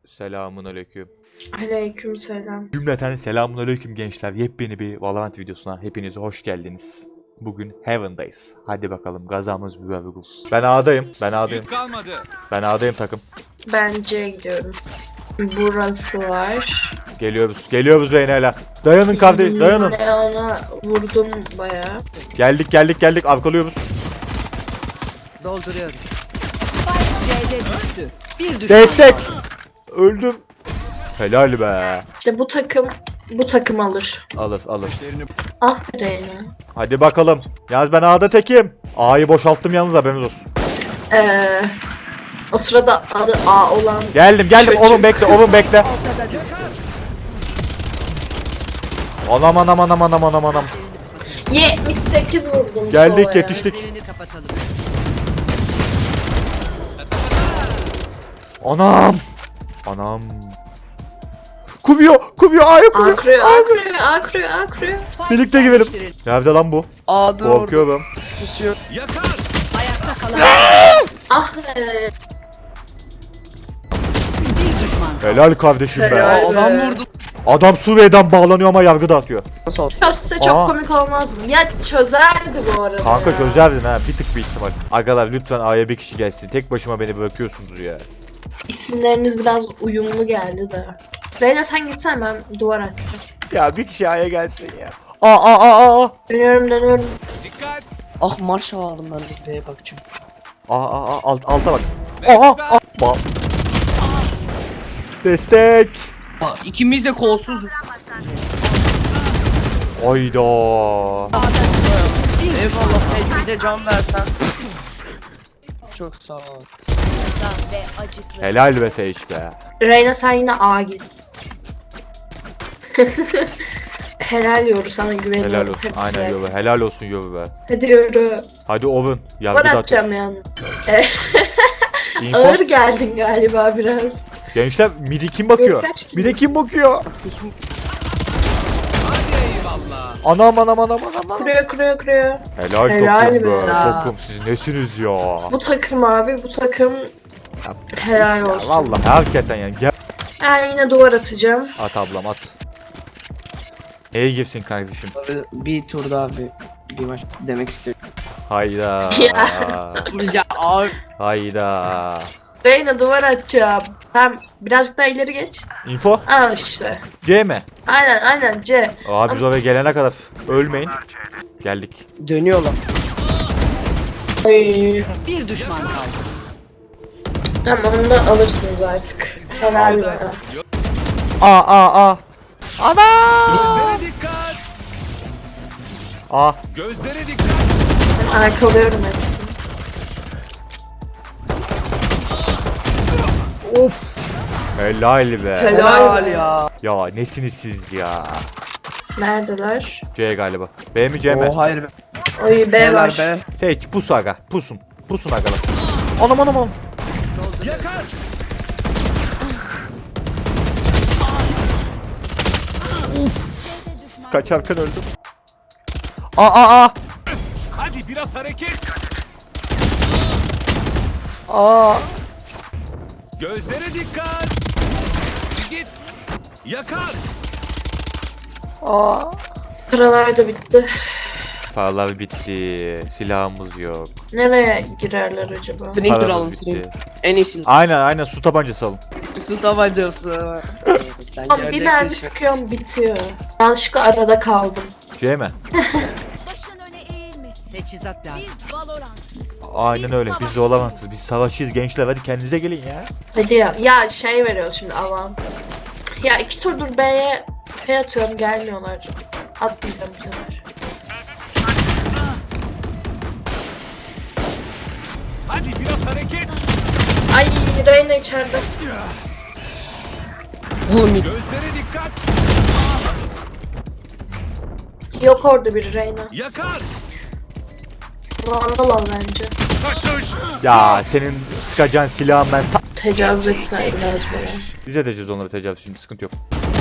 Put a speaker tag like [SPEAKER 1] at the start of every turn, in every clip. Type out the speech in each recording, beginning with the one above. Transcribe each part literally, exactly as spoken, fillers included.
[SPEAKER 1] Selamun aleyküm.
[SPEAKER 2] Aleyküm selam.
[SPEAKER 1] Cümleten selamun aleyküm gençler. Yepyeni bir Valorant videosuna hepiniz hoş geldiniz. Bugün Heaven'dayız. Hadi bakalım gazamız mübarek olsun. Ben A'dayım. Ben A'dayım. Ben A'dayım takım.
[SPEAKER 2] Ben C'ye gidiyorum. Burası var.
[SPEAKER 1] Geliyoruz. Geliyoruz Reyna'yla. Dayanın kardeş. Dayanın.
[SPEAKER 2] Leon'a vurdum bayağı.
[SPEAKER 1] Geldik geldik geldik. Arkalıyoruz.
[SPEAKER 3] Dolduruyorum. Spike C'de düştü. Bir düşman
[SPEAKER 1] Destek.
[SPEAKER 3] kaldı.
[SPEAKER 1] Öldüm. Helal be.
[SPEAKER 2] İşte bu takım bu takım alır.
[SPEAKER 1] Alır alır.
[SPEAKER 2] Ah Reyna.
[SPEAKER 1] Hadi bakalım. Yalnız ben A'da tekim. A'yı boşalttım yalnız haberiniz olsun.
[SPEAKER 2] Ee, o sırada adı A olan
[SPEAKER 1] Geldim geldim.
[SPEAKER 2] Çocuk.
[SPEAKER 1] Oğlum bekle oğlum bekle.
[SPEAKER 3] Ortada düştü.
[SPEAKER 1] Anam anam anam anam anam anam.
[SPEAKER 2] yetmiş sekiz vurdum.
[SPEAKER 1] Geldik,
[SPEAKER 2] Sova'ya.
[SPEAKER 1] yetiştik.
[SPEAKER 3] Gözlerini kapatalım.
[SPEAKER 1] Anam. Anam. Kuvuyor. Kuvuyor. A'ya
[SPEAKER 2] A
[SPEAKER 1] kuvuyor.
[SPEAKER 2] kuruyor, A kuruyor, A kuruyor, A kuruyor.
[SPEAKER 3] Spike
[SPEAKER 1] Birlikte girelim.
[SPEAKER 3] yerleştirildi.
[SPEAKER 1] Nerede lan bu?
[SPEAKER 4] A'da orada
[SPEAKER 1] Korkuyorum.
[SPEAKER 4] pusuyor.
[SPEAKER 3] Ayakta kalan
[SPEAKER 2] Ah be.
[SPEAKER 3] bir düşman kaldı.
[SPEAKER 1] Helal kardeşim be.
[SPEAKER 2] Helal.
[SPEAKER 4] Aa, adam vurdu.
[SPEAKER 1] Adam Suriye'den bağlanıyor ama yargı dağıtıyor.
[SPEAKER 4] Nasıl oldu?
[SPEAKER 2] Çözse çok
[SPEAKER 1] Aa.
[SPEAKER 2] komik olmaz mı? Ya çözerdi bu arada.
[SPEAKER 1] Kanka
[SPEAKER 2] ya.
[SPEAKER 1] çözerdin ha. Bir tık bir ihtimal. Agalar lütfen A'ya bir kişi gelsin. Tek başıma beni bırakıyorsunuz ya.
[SPEAKER 2] İsimleriniz biraz uyumlu geldi de. Reyna sen gitsen ben duvar açacağım.
[SPEAKER 1] Ya bir kişi A'ya gelsin ya. Aa aa aa aa.
[SPEAKER 2] Dönüyorum dönüyorum.
[SPEAKER 4] Ah marş aldım ben de B'ye bakacağım.
[SPEAKER 1] Aa aa aa alt, alta bak. Aha aa. Ba- Destek.
[SPEAKER 4] Aa, ikimiz de kolsuz.
[SPEAKER 1] Ayda.
[SPEAKER 4] Eyvallah Sage bir de can versen. Çok sağ ol.
[SPEAKER 1] Helal be Sage be.
[SPEAKER 2] Reyna sen yine A git. Helal yoru sana güveniyorum.
[SPEAKER 1] Helal olsun.
[SPEAKER 2] Hadi
[SPEAKER 1] Aynen
[SPEAKER 2] gel.
[SPEAKER 1] yoru. Helal olsun yoru be.
[SPEAKER 2] Hadi yoru.
[SPEAKER 1] Hadi Oven. Yargı
[SPEAKER 2] Var
[SPEAKER 1] dağıtıyor.
[SPEAKER 2] atacağım yani.
[SPEAKER 1] Info.
[SPEAKER 2] Ağır geldin galiba biraz.
[SPEAKER 1] Gençler midi kim bakıyor?
[SPEAKER 2] Kaç kilo?
[SPEAKER 1] Midi kim bakıyor?
[SPEAKER 4] Pusmu.
[SPEAKER 1] Anam anam anam anam anam.
[SPEAKER 2] Kuruyor kuruyor kuruyor.
[SPEAKER 1] Helal,
[SPEAKER 2] Helal
[SPEAKER 1] takım
[SPEAKER 2] be.
[SPEAKER 1] be.
[SPEAKER 4] Ya.
[SPEAKER 1] Takım siz nesiniz ya?
[SPEAKER 2] Bu takım abi bu takım helal
[SPEAKER 1] Ya
[SPEAKER 2] olsun.
[SPEAKER 1] vallahi hakikaten yani. Gel.
[SPEAKER 2] Ben yine duvar atacağım.
[SPEAKER 1] At ablam at. Neye girsin kardeşim?
[SPEAKER 4] Bir tur daha bir, bir maç demek istiyorum.
[SPEAKER 1] Hayda.
[SPEAKER 4] Ya abi.
[SPEAKER 1] Hayda.
[SPEAKER 2] Reyna duvar atacağım. Hem birazcık daha ileri geç.
[SPEAKER 1] Info
[SPEAKER 2] Al işte.
[SPEAKER 1] C mi?
[SPEAKER 2] Aynen aynen C.
[SPEAKER 1] Abi biz oraya gelene kadar ölmeyin. Geldik.
[SPEAKER 4] Dönüyorlar.
[SPEAKER 2] Ay.
[SPEAKER 3] Bir düşman kaldı.
[SPEAKER 2] Tamam onu da alırsınız artık. Helal be.
[SPEAKER 1] A a a. Ana. A.
[SPEAKER 5] Gözlere dikkat.
[SPEAKER 2] Ben arkalıyorum hepsini.
[SPEAKER 1] Of. Helal be.
[SPEAKER 2] Helal be.
[SPEAKER 4] ya.
[SPEAKER 1] Ya nesiniz siz ya?
[SPEAKER 2] Neredeler?
[SPEAKER 1] C galiba. B mi C mi?
[SPEAKER 4] O hayır be.
[SPEAKER 2] Oy B
[SPEAKER 4] Helal
[SPEAKER 2] var.
[SPEAKER 4] be.
[SPEAKER 1] Seç pus aga. Pusun. Pusun agalar. Anam anam anam.
[SPEAKER 5] Yakar.
[SPEAKER 1] Kaçarken öldüm. A a a.
[SPEAKER 5] Hadi biraz hareket.
[SPEAKER 1] A.
[SPEAKER 5] Gözlere dikkat. Git. Yakar.
[SPEAKER 1] A.
[SPEAKER 2] Paralar da bitti.
[SPEAKER 1] Paralar bitti. Silahımız yok.
[SPEAKER 2] Nereye girerler acaba?
[SPEAKER 4] Sniper alın
[SPEAKER 1] Paramız
[SPEAKER 4] sniper.
[SPEAKER 1] bitti.
[SPEAKER 4] En iyisi.
[SPEAKER 1] Aynen aynen su tabancası alın.
[SPEAKER 4] Su tabancası. Sen
[SPEAKER 2] Abi bir
[SPEAKER 4] göreceksin
[SPEAKER 2] mermi
[SPEAKER 4] şimdi.
[SPEAKER 2] sıkıyorum bitiyor. Yanlışlıkla arada kaldım.
[SPEAKER 1] C mi?
[SPEAKER 6] Başın öne eğilmesin.
[SPEAKER 3] Teçhizat lazım.
[SPEAKER 6] Biz Valorant'ız.
[SPEAKER 1] Aynen öyle. Biz de olamazız. Biz savaşçıyız gençler. Hadi kendinize gelin ya.
[SPEAKER 2] Hadi ya. Ya şey veriyor şimdi avant. Ya iki turdur B'ye şey atıyorum gelmiyorlar. Atmayacağım bu sefer.
[SPEAKER 5] Hadi biraz hareket.
[SPEAKER 2] Ay Reyna içeride.
[SPEAKER 4] Bu mi?
[SPEAKER 5] Gözlere dikkat.
[SPEAKER 2] Yok orada bir Reyna.
[SPEAKER 5] Yakar.
[SPEAKER 2] Vandal al bence.
[SPEAKER 5] Kaçış.
[SPEAKER 1] Ya senin sıkacağın silahın ben ta-
[SPEAKER 2] Tecavüz ettiler biraz bana.
[SPEAKER 1] Bize edeceğiz onları tecavüz şimdi sıkıntı yok.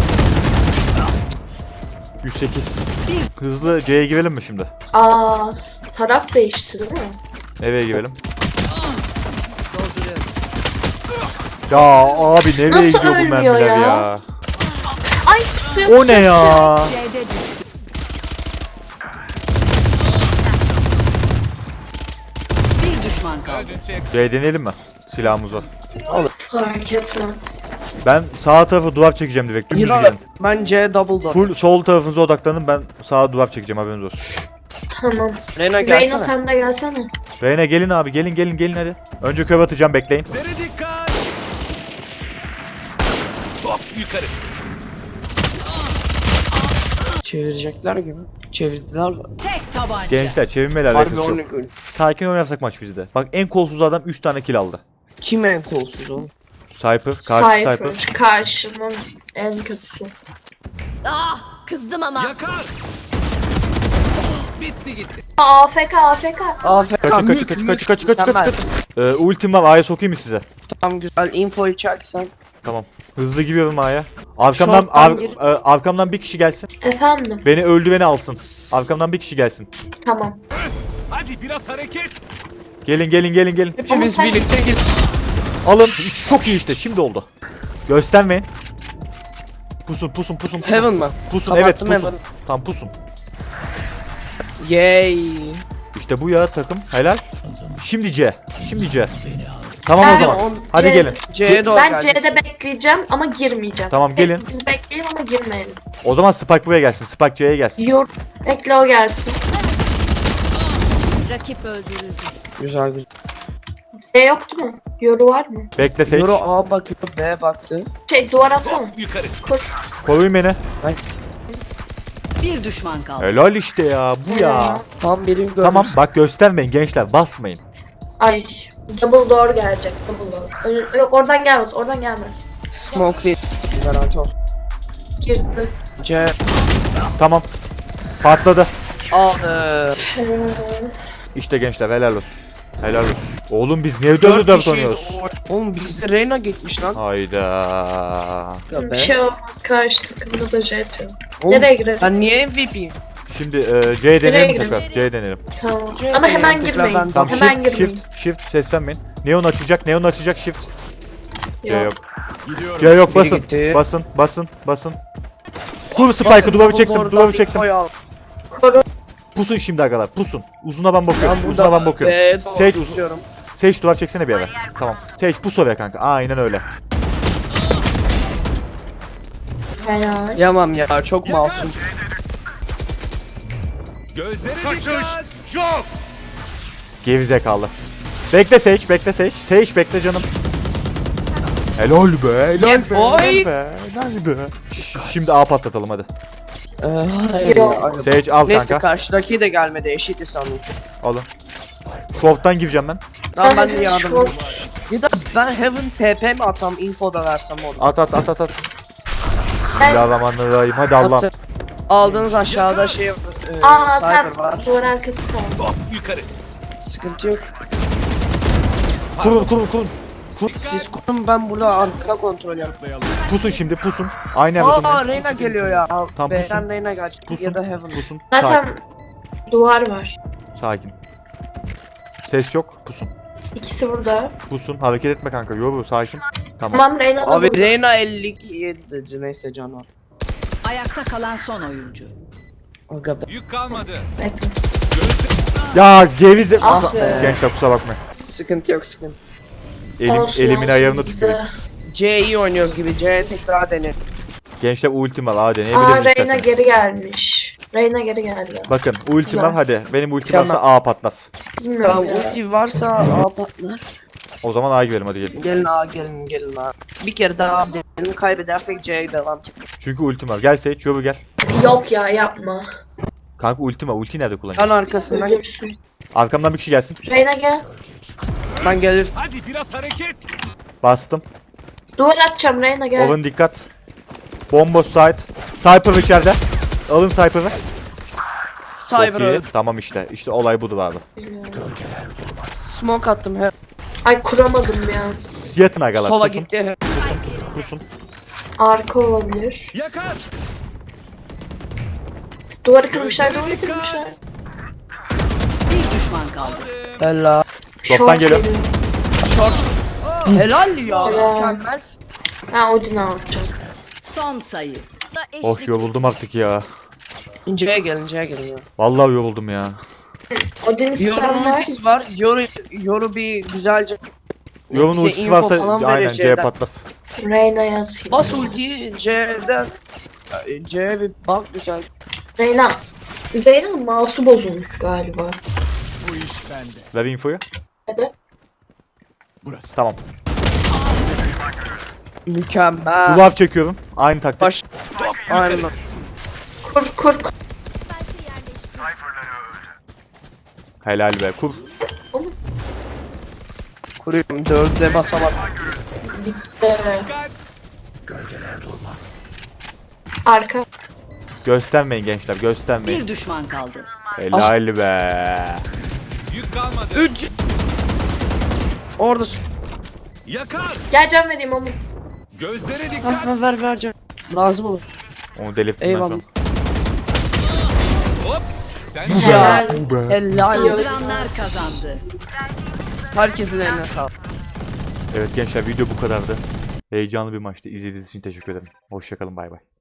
[SPEAKER 1] yüz sekiz. Hızlı C'ye girelim mi şimdi?
[SPEAKER 2] Aa s- taraf değişti değil mi?
[SPEAKER 1] Nereye girelim?
[SPEAKER 3] Dolduruyorum.
[SPEAKER 1] Ya abi nereye
[SPEAKER 2] Nasıl
[SPEAKER 1] gidiyor bu
[SPEAKER 2] ölmüyor
[SPEAKER 1] mermiler ya?
[SPEAKER 2] ya? Ay pusuya
[SPEAKER 1] O ne ya?
[SPEAKER 3] C'de düştü. Bir düşman kaldı.
[SPEAKER 5] Öldün çek.
[SPEAKER 1] Şey deneyelim mi? Silahımız var.
[SPEAKER 2] fark etmez.
[SPEAKER 1] Ben sağ tarafı duvar çekeceğim direkt. Dümdüz
[SPEAKER 4] Hira
[SPEAKER 1] gidelim.
[SPEAKER 4] bence double door.
[SPEAKER 1] Full sol tarafınıza odaklanın, ben sağa duvar çekeceğim, haberiniz olsun.
[SPEAKER 2] Tamam.
[SPEAKER 4] Reyna
[SPEAKER 2] Reyna
[SPEAKER 4] gelsene.
[SPEAKER 2] sen de gelsene.
[SPEAKER 1] Reyna gelin abi, gelin gelin gelin hadi. Önce köv atacağım, bekleyin.
[SPEAKER 5] Gözlere dikkat. Hop yukarı.
[SPEAKER 4] Çevirecekler gibi. Çevirdiler.
[SPEAKER 3] Tek tabanca.
[SPEAKER 1] Gençler çevirmeler
[SPEAKER 4] Harbi
[SPEAKER 1] alakası
[SPEAKER 4] onu
[SPEAKER 1] yok.
[SPEAKER 4] gör.
[SPEAKER 1] Sakin oynarsak maç bizde. Bak en kolsuz adam üç tane kill aldı.
[SPEAKER 4] Kim en kolsuz oğlum?
[SPEAKER 1] Cypher, karşı Cypher.
[SPEAKER 2] Cypher. Karşımın en kötüsü.
[SPEAKER 6] Ah kızdım ama.
[SPEAKER 5] Yakar. Bitti gitti.
[SPEAKER 2] A F K A F K.
[SPEAKER 4] A F K
[SPEAKER 1] Kaçın
[SPEAKER 4] mük
[SPEAKER 1] kaçın
[SPEAKER 4] mük.
[SPEAKER 1] kaçın kaçın kaçın kaçın
[SPEAKER 4] Mükemmel.
[SPEAKER 1] kaçın. Ee, ultim var, A'ya sokayım mı size?
[SPEAKER 4] Tamam güzel infoyu çeksen.
[SPEAKER 1] Tamam. Hızlı giriyorum A'ya. Arkamdan,
[SPEAKER 4] Short'tan
[SPEAKER 1] ar-
[SPEAKER 4] gir.
[SPEAKER 1] e, arkamdan bir kişi gelsin.
[SPEAKER 2] Efendim.
[SPEAKER 1] Beni öldüreni alsın. Arkamdan bir kişi gelsin.
[SPEAKER 2] Tamam.
[SPEAKER 5] Hadi biraz hareket.
[SPEAKER 1] Gelin gelin gelin gelin.
[SPEAKER 4] Hepimiz
[SPEAKER 2] Ama sen-
[SPEAKER 4] birlikte gir.
[SPEAKER 1] Alın. Çok iyi işte, şimdi oldu. Göstermeyin. Pusun pusun pusun. pusun.
[SPEAKER 4] Heaven mı?
[SPEAKER 1] Pusun, evet
[SPEAKER 4] Kapattım
[SPEAKER 1] pusun.
[SPEAKER 4] Heaven.
[SPEAKER 1] Tam pusun.
[SPEAKER 4] Yay.
[SPEAKER 1] İşte bu ya takım. Helal. Şimdi C. Şimdi C. Tamam o
[SPEAKER 2] Sen-
[SPEAKER 1] zaman.
[SPEAKER 4] on-
[SPEAKER 1] Hadi
[SPEAKER 2] C-
[SPEAKER 1] gelin.
[SPEAKER 4] C'ye doğru
[SPEAKER 2] Ben
[SPEAKER 4] geleceksin.
[SPEAKER 2] C'de bekleyeceğim ama girmeyeceğim.
[SPEAKER 1] Tamam, gelin.
[SPEAKER 2] Biz bekleyelim ama girmeyelim.
[SPEAKER 1] O zaman Spike buraya gelsin. Spike C'ye gelsin.
[SPEAKER 2] Yor. Bekle o gelsin.
[SPEAKER 6] Rakip öldürüldü.
[SPEAKER 4] Güzel güzel.
[SPEAKER 2] C yoktu mu? Yoru var mı?
[SPEAKER 1] Bekle Sage.
[SPEAKER 4] Euro A bakıyor, B baktı.
[SPEAKER 2] Şey duvar atsana.
[SPEAKER 5] Hop yukarı.
[SPEAKER 2] Koş.
[SPEAKER 1] Koruyun beni.
[SPEAKER 3] Bir düşman kaldı.
[SPEAKER 1] Helal işte ya. Bu ya.
[SPEAKER 4] Tam birim görmüş.
[SPEAKER 1] Tamam bak, göstermeyin gençler. Basmayın.
[SPEAKER 2] Ay. Double door gelecek. Double door. Ö- Yok oradan gelmez. Oradan gelmez.
[SPEAKER 4] Smoke değil. Garanti olsun.
[SPEAKER 2] Girdi.
[SPEAKER 4] C
[SPEAKER 1] Tamam. Patladı.
[SPEAKER 4] aldı.
[SPEAKER 2] Ee,
[SPEAKER 1] İşte gençler, helal olsun. Helal olsun. Oğlum biz niye dört dört oynuyoruz?
[SPEAKER 4] Oğlum bizde Reyna gitmiş lan.
[SPEAKER 1] Hayda.
[SPEAKER 4] Ya be.
[SPEAKER 2] Bir şey olmaz. Karşı takımda da C atıyor.
[SPEAKER 4] Oğlum,
[SPEAKER 2] Nereye girelim?
[SPEAKER 4] Ben niye M V P'yim?
[SPEAKER 1] Şimdi e, C deneyelim
[SPEAKER 2] girelim?
[SPEAKER 1] tekrar. C deneyelim.
[SPEAKER 2] Tamam.
[SPEAKER 4] C
[SPEAKER 2] Ama hemen
[SPEAKER 4] tekrar
[SPEAKER 2] girmeyin.
[SPEAKER 4] ben-
[SPEAKER 1] Tamam,
[SPEAKER 2] Hemen
[SPEAKER 1] shift,
[SPEAKER 2] girmeyin.
[SPEAKER 1] shift, shift, seslenmeyin. Neon açacak, neon açacak, shift. C
[SPEAKER 2] Yok.
[SPEAKER 1] yok.
[SPEAKER 5] Gidiyorum.
[SPEAKER 1] C yok,
[SPEAKER 4] Biri
[SPEAKER 1] basın.
[SPEAKER 4] gitti.
[SPEAKER 1] Basın, basın, basın. Kur Spike'ı, duvarı çektim, duvarı çektim.
[SPEAKER 2] Koru.
[SPEAKER 1] Pusun şimdi arkadaşlar, pusun. Uzuna ben bakıyorum,
[SPEAKER 4] Ben
[SPEAKER 1] uzuna ben
[SPEAKER 4] burada
[SPEAKER 1] bakıyorum.
[SPEAKER 4] B doğru
[SPEAKER 1] Sage uzun.
[SPEAKER 4] tutuyorum.
[SPEAKER 1] Sage duvar çeksene bir ara. Tamam. Sage pus oraya kanka. Aynen öyle.
[SPEAKER 2] Helal.
[SPEAKER 4] Yamam ya çok masum.
[SPEAKER 5] Gözlere dikkat. Yok.
[SPEAKER 1] Gerizekalı. Bekle Sage, bekle Sage. Sage bekle canım. Helal be, helal
[SPEAKER 4] Yeah,
[SPEAKER 1] be,
[SPEAKER 4] boy.
[SPEAKER 1] helal be, helal be. Ş- Şimdi A patlatalım hadi.
[SPEAKER 4] Ee, hayır
[SPEAKER 2] Yok.
[SPEAKER 4] ya.
[SPEAKER 1] Sage al
[SPEAKER 4] Neyse
[SPEAKER 1] kanka.
[SPEAKER 4] karşıdaki de gelmedi eşitiz sandım.
[SPEAKER 1] Alın. Short'tan gireceğim ben.
[SPEAKER 4] Tamam ben de
[SPEAKER 2] Ben
[SPEAKER 4] yardım
[SPEAKER 2] short-
[SPEAKER 4] Ya da ben Heaven T P mi atsam info da versem onu.
[SPEAKER 1] At at at at at. Bismillahirrahmanirrahim. Hadi Allah'ım.
[SPEAKER 4] Attı. Aldığınız aşağıda şey e,
[SPEAKER 2] Aa
[SPEAKER 4] cyber
[SPEAKER 2] sen
[SPEAKER 4] var.
[SPEAKER 2] duvar arkası kaldı.
[SPEAKER 5] Hop yukarı.
[SPEAKER 4] Sıkıntı yok.
[SPEAKER 1] Kurun kurun kurun.
[SPEAKER 4] Siz kurun ben burada arka kontrol yapayım.
[SPEAKER 5] Atlayalım.
[SPEAKER 1] Pusun şimdi, pusun. Aynı yerde
[SPEAKER 4] Aa
[SPEAKER 1] durmayın.
[SPEAKER 4] Reyna geliyor ya.
[SPEAKER 1] Tam
[SPEAKER 4] B'den
[SPEAKER 1] pusun.
[SPEAKER 4] Reyna gelecek
[SPEAKER 1] Pusun.
[SPEAKER 4] ya da Heaven.
[SPEAKER 1] Pusun. Sakin.
[SPEAKER 2] Zaten duvar var.
[SPEAKER 1] Sakin. Ses yok. Pusun.
[SPEAKER 2] İkisi burada.
[SPEAKER 1] Pusun. Hareket etme kanka. Yoru sakin. Tamam.
[SPEAKER 2] Tamam Reyna da
[SPEAKER 4] Abi
[SPEAKER 2] burada.
[SPEAKER 4] Reyna elli yedi dedi neyse can var.
[SPEAKER 3] Ayakta kalan son oyuncu.
[SPEAKER 4] Aga be.
[SPEAKER 5] Yük kalmadı.
[SPEAKER 2] Bekle.
[SPEAKER 1] Ya gevize...
[SPEAKER 2] Ah be.
[SPEAKER 1] Gençler kusura bakmayın.
[SPEAKER 4] Sıkıntı yok sıkıntı.
[SPEAKER 1] Elim,
[SPEAKER 2] Olsun,
[SPEAKER 1] elimin
[SPEAKER 2] olsun
[SPEAKER 1] ayarını
[SPEAKER 2] bizde.
[SPEAKER 1] tutuyor.
[SPEAKER 4] C iyi oynuyoruz gibi. C tekrar deneyelim.
[SPEAKER 1] Gençler ultim var. Hadi ne
[SPEAKER 2] Aa
[SPEAKER 1] biliriz
[SPEAKER 2] Reyna
[SPEAKER 1] isterseniz.
[SPEAKER 2] geri gelmiş. Reyna geri geldi.
[SPEAKER 1] Bakın ultim var, hadi. Benim ultim
[SPEAKER 4] Tamam.
[SPEAKER 1] varsa A patlat.
[SPEAKER 2] Bilmiyorum
[SPEAKER 4] Tamam
[SPEAKER 2] ya.
[SPEAKER 4] ulti varsa A patlar.
[SPEAKER 1] O zaman A'ya girelim, hadi gelin.
[SPEAKER 4] Gelin A gelin gelin A. Bir kere daha deneyelim kaybedersek C'ye devam.
[SPEAKER 1] Çünkü ultim var. Gel Sage, yoru gel.
[SPEAKER 2] Yok ya yapma.
[SPEAKER 1] Kanka ultim var. Ultiyi nerede kullanacağım?
[SPEAKER 4] Can arkasından
[SPEAKER 2] Ölürsün.
[SPEAKER 1] Arkamdan bir kişi gelsin.
[SPEAKER 2] Reyna gel.
[SPEAKER 4] ben gelir.
[SPEAKER 5] Hadi biraz hareket.
[SPEAKER 1] Bastım.
[SPEAKER 2] Duvar atacağım Reyna gel.
[SPEAKER 1] Oven dikkat. Bomboş side. Cypher içeride. Alın Cypher'ı. Çok
[SPEAKER 4] Cyber
[SPEAKER 1] iyi.
[SPEAKER 4] öldü.
[SPEAKER 1] Tamam işte. İşte olay budur abi.
[SPEAKER 4] Smoke attım he.
[SPEAKER 2] Ay kuramadım ya.
[SPEAKER 1] Yatın agalar.
[SPEAKER 4] Sola
[SPEAKER 1] pusun,
[SPEAKER 4] gitti he.
[SPEAKER 1] Pusun.
[SPEAKER 2] Arka olabilir.
[SPEAKER 5] Yakar.
[SPEAKER 2] Duvarı kırmışlar, duvarı kırmışlar.
[SPEAKER 3] Bir düşman kaldı.
[SPEAKER 4] Ella.
[SPEAKER 1] Short'tan geliyor.
[SPEAKER 2] geliyor.
[SPEAKER 4] Short. Helal ya.
[SPEAKER 2] Helal.
[SPEAKER 4] Mükemmelsin.
[SPEAKER 2] Ha Odin alacağım.
[SPEAKER 3] Son sayı.
[SPEAKER 1] Of yoruldum artık ya.
[SPEAKER 4] İnceye gelin, inceye gelin ya.
[SPEAKER 1] Vallahi yoruldum ya.
[SPEAKER 2] Odin
[SPEAKER 4] Yoru'nun
[SPEAKER 2] isteyenler
[SPEAKER 4] ultisi var. Yoru, Yoru bir güzelce...
[SPEAKER 1] Yorun
[SPEAKER 4] bize
[SPEAKER 1] ultisi
[SPEAKER 4] info
[SPEAKER 1] varsa
[SPEAKER 4] falan
[SPEAKER 1] aynen
[SPEAKER 4] verir
[SPEAKER 1] C'ye
[SPEAKER 4] C'den.
[SPEAKER 1] patlat.
[SPEAKER 2] Reyna'ya atayım.
[SPEAKER 4] Bas ultiyi C'den... C'ye bir bak güzel.
[SPEAKER 2] Reyna. Reyna'nın mouse'u bozulmuş galiba.
[SPEAKER 5] Bu iş bende.
[SPEAKER 1] Ver infoyu.
[SPEAKER 2] Hadi.
[SPEAKER 5] Burası.
[SPEAKER 1] Tamam.
[SPEAKER 4] Mükemmel.
[SPEAKER 1] Duvar çekiyorum. Aynı taktik.
[SPEAKER 4] Baş... Aynen.
[SPEAKER 2] Kur kur.
[SPEAKER 1] Helal be kur.
[SPEAKER 4] Kuruyorum. Dörde basamak.
[SPEAKER 2] Bitti.
[SPEAKER 5] Dikkat.
[SPEAKER 2] Arka.
[SPEAKER 1] Göstermeyin gençler göstermeyin.
[SPEAKER 3] Bir düşman kaldı.
[SPEAKER 1] Helal be.
[SPEAKER 5] Yük kalmadı.
[SPEAKER 4] Üç. Orada su.
[SPEAKER 5] Yakar.
[SPEAKER 2] Gel can vereyim onu.
[SPEAKER 5] Gözlere
[SPEAKER 4] Ha,
[SPEAKER 5] dikkat.
[SPEAKER 4] ha, ver ver can. Lazım olur.
[SPEAKER 1] Onu delirttim ben şu
[SPEAKER 4] Eyvallah.
[SPEAKER 1] an.
[SPEAKER 5] Hop. Sen
[SPEAKER 4] Ya.
[SPEAKER 2] Helal.
[SPEAKER 4] Helal.
[SPEAKER 3] Saldıranlar kazandı.
[SPEAKER 4] Herkesin eline sağlık.
[SPEAKER 1] Evet gençler video bu kadardı. Heyecanlı bir maçtı. İzlediğiniz için teşekkür ederim. Hoşçakalın bay bay.